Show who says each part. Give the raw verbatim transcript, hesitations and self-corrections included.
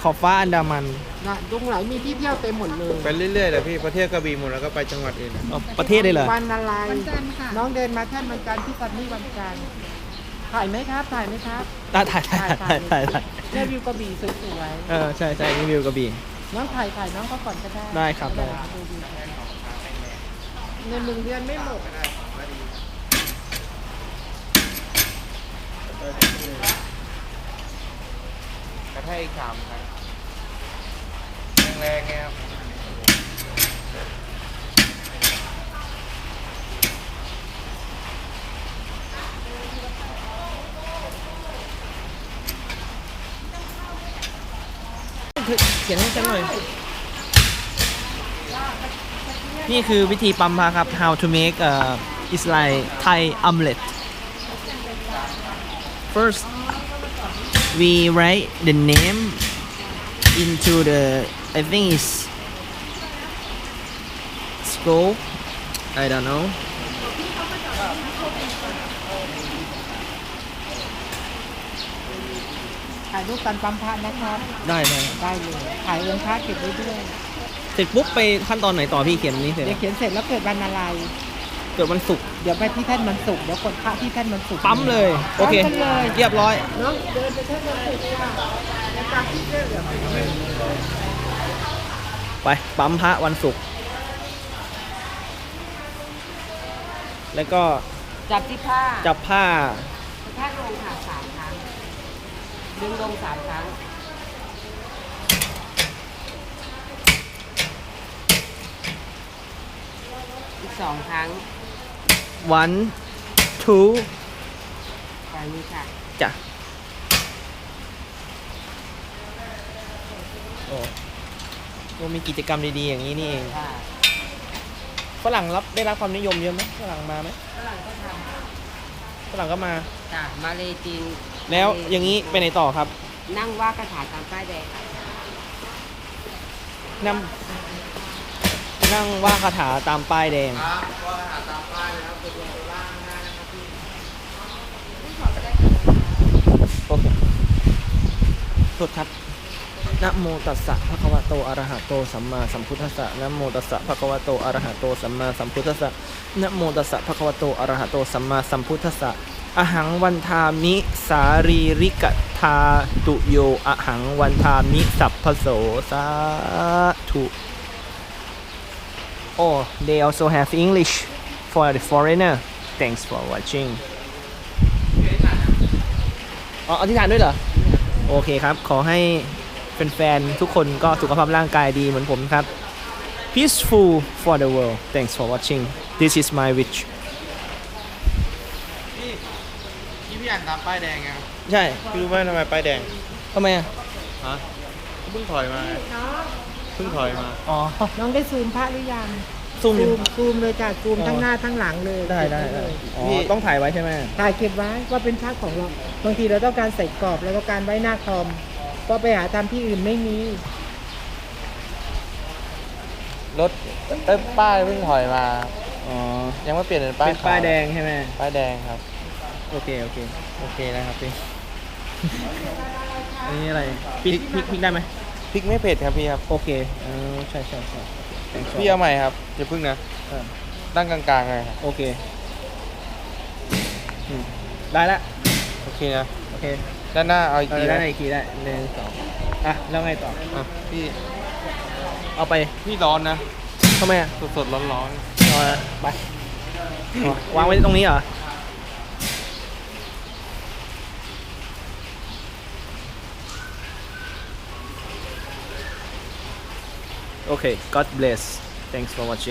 Speaker 1: ขอบฟ้าอันดามัน
Speaker 2: นะตรงไหนมีที่เที่ยวเต็มหมดเลย
Speaker 3: ไปเรื่อยๆเลยพี่ประเทศกระบี่หมดแล้วก็ไปจังหวัดอื่น
Speaker 1: อ๋อประเทศได้เหรอ
Speaker 2: วันอะไร
Speaker 4: วันจันทร์ค่ะ
Speaker 2: น้องเดินมาแท่นวันจันทร์ที่ซันนี่วันจันทร์ถ่ายไหมครับถ่ายไหมครับ
Speaker 1: อ่ะถ่ายถ่ายถ่ายถ่ายถ่าย
Speaker 2: เนี่ยวิวกระบี่สวย
Speaker 1: เออใช่ใช่นี่วิวกระบี่
Speaker 2: ๆน้องถ่ายถ่ายน้องเขาก่อนก็ได้
Speaker 1: ได้ครับได้
Speaker 2: ดูวิวในหนึ่งเดือนไม่หมด
Speaker 3: กระแทกอีกสามครั้งแรงๆไงครับ
Speaker 1: เขียนให้ฉันหน่อยนี่คือวิธีปั๊มพาครับ how to make uh, is like Thai omelet first we write the name into the I think is scope I don't know
Speaker 2: ถ่ายรูปกันปั๊มพระนะครับ
Speaker 1: ได้ไหม
Speaker 2: ได้เลยถ่ายเรือนพระเก็บไว้ด้วย
Speaker 1: เสร็จปุ๊บไปขั้นตอนไหนต่อพี่เขียนนี้เสร็จ
Speaker 2: เดี๋ยวเขียนเสร็จแล้วเกิดวันอะไร
Speaker 1: เกิดวันศุกร์
Speaker 2: เดี๋ยวไปที่แท่นวันศุกร์เดี๋ยวกดพระที่แท่นวันศุกร์
Speaker 1: ปั๊มเลยโอเค
Speaker 2: ปั๊มกันเลย
Speaker 1: เรียบร้อย
Speaker 2: น้องเดินไปแท่นวันศุกร์ค่ะในการที่เรื่อง
Speaker 1: ไปปั๊มพระวันศุกร์แล้วก็
Speaker 2: จับที่ผ้า
Speaker 1: จับผ้า
Speaker 2: ผ้าลงค่ะสามครั้งดึงลงสามครั้งอีกสองครั้ง
Speaker 1: one two
Speaker 2: ไปนี้ค่ะ
Speaker 1: จ้ะโอ้โอ้มีกิจกรรมดีๆอย่างนี้นี่เอง
Speaker 2: ค่ะ
Speaker 1: ฝรั่งรับได้รับความนิยมเยอะไหมฝรั่งมาไหม
Speaker 2: ฝรั่งก็ท
Speaker 1: ฝรั่งก็มา
Speaker 2: ำค่ะมาเลจีน
Speaker 1: แล้วอย่างนี้ไปไหนต่อครับ
Speaker 2: นั่งว่าคาถาตามป้ายแดง
Speaker 1: นั่งนั่งว่าคาถาตามป้ายแดง
Speaker 3: ครับก็หาตามป้ายเลยครับตัวตัวล่างได้นะครับพี่
Speaker 1: โอเคโทษครับนะโมตัสสะภะคะวะโตอะระหะโตสัมมาสัมพุทธัสสะนะโมตัสสะภะคะวะโตอะระหะโตสัมมาสัมพุทธัสสะนะโมตัสสะภะคะวะโตอะระหะโตสัมมาสัมพุทธัสสะอะหังวันทามิสารีริกธาตุโยอะหังวันทามิสัพพโสสาธุ Oh they also have English for the foreigner thanks for watching อ๋ออธิษฐานด้วยเหรอ โอเคครับ ขอให้แฟนๆทุกคนก็สุขภาพร่างกายดีเหมือนผมครับ Peaceful for the world thanks for watching this is my wish
Speaker 3: พี่พี่พี่อ่านตามป้ายแดงไงครับ
Speaker 1: ใช่
Speaker 3: พี่รู้ไหมทำไมป้ายแดง
Speaker 1: ทำไมอ่ะ
Speaker 3: ฮะเพิ่งถอยมาไงเพิ่งถอยมา
Speaker 1: อ๋อ
Speaker 2: น้องได้ซูมพระหรือยัง
Speaker 1: ซูม
Speaker 2: ซูมซูมเลยจ้ะซูมทั้งหน้าทั้งหลังเลย
Speaker 1: ได้ได้
Speaker 2: เก็บ
Speaker 1: ได้
Speaker 2: ว้เลย
Speaker 1: อ๋อ ต้องถ่ายไว้ใช่ไหม
Speaker 2: ถ่ายเก็บไว้ว่าเป็นพระของเราบางทีเราต้องการใส่กรอบเราต้องการไว้หน้าคอมก็ไปหาตามที่อื่นไม่มี
Speaker 3: รถเอ้ยป้ายเพิ่งถอยมา
Speaker 1: อ๋อ
Speaker 3: ยังไม่เปลี่ยนเป็นป้าย
Speaker 1: เป็นป้ายแดงใช่ไหม
Speaker 3: ป้ายแดงครับ
Speaker 1: โอเค โอเค
Speaker 3: โอเคนะครับพี่
Speaker 1: อันนี้อะไรพริกพริกพริกได้ไหม
Speaker 3: พริกไม่เผ็ดครับพี่ครับ
Speaker 1: โอเคเออใช่ใช่ใช่โอเค thanks for
Speaker 3: พี่เอาใหม่ครับอย่าพึ่งนะ
Speaker 1: เออ
Speaker 3: ตั้งกลางๆเลยครับ
Speaker 1: โอเคอืมได้ละ
Speaker 3: โอเคนะ
Speaker 1: โอเค
Speaker 3: ด้านหน้าเอาอีก
Speaker 1: เอ
Speaker 3: ที
Speaker 1: อได้
Speaker 3: นะ
Speaker 1: อีกทีได้หนึ่งสองอ่ะ แล้วไงต่อ
Speaker 3: อ่ะพี่
Speaker 1: เอาไป
Speaker 3: พี่ร้อนนะ
Speaker 1: ทำไมอ่ะ
Speaker 3: สดๆร้อน
Speaker 1: เอาละไปอ๋อวางไว้ตรงนี้เหรอ โอเค God bless thanks for watching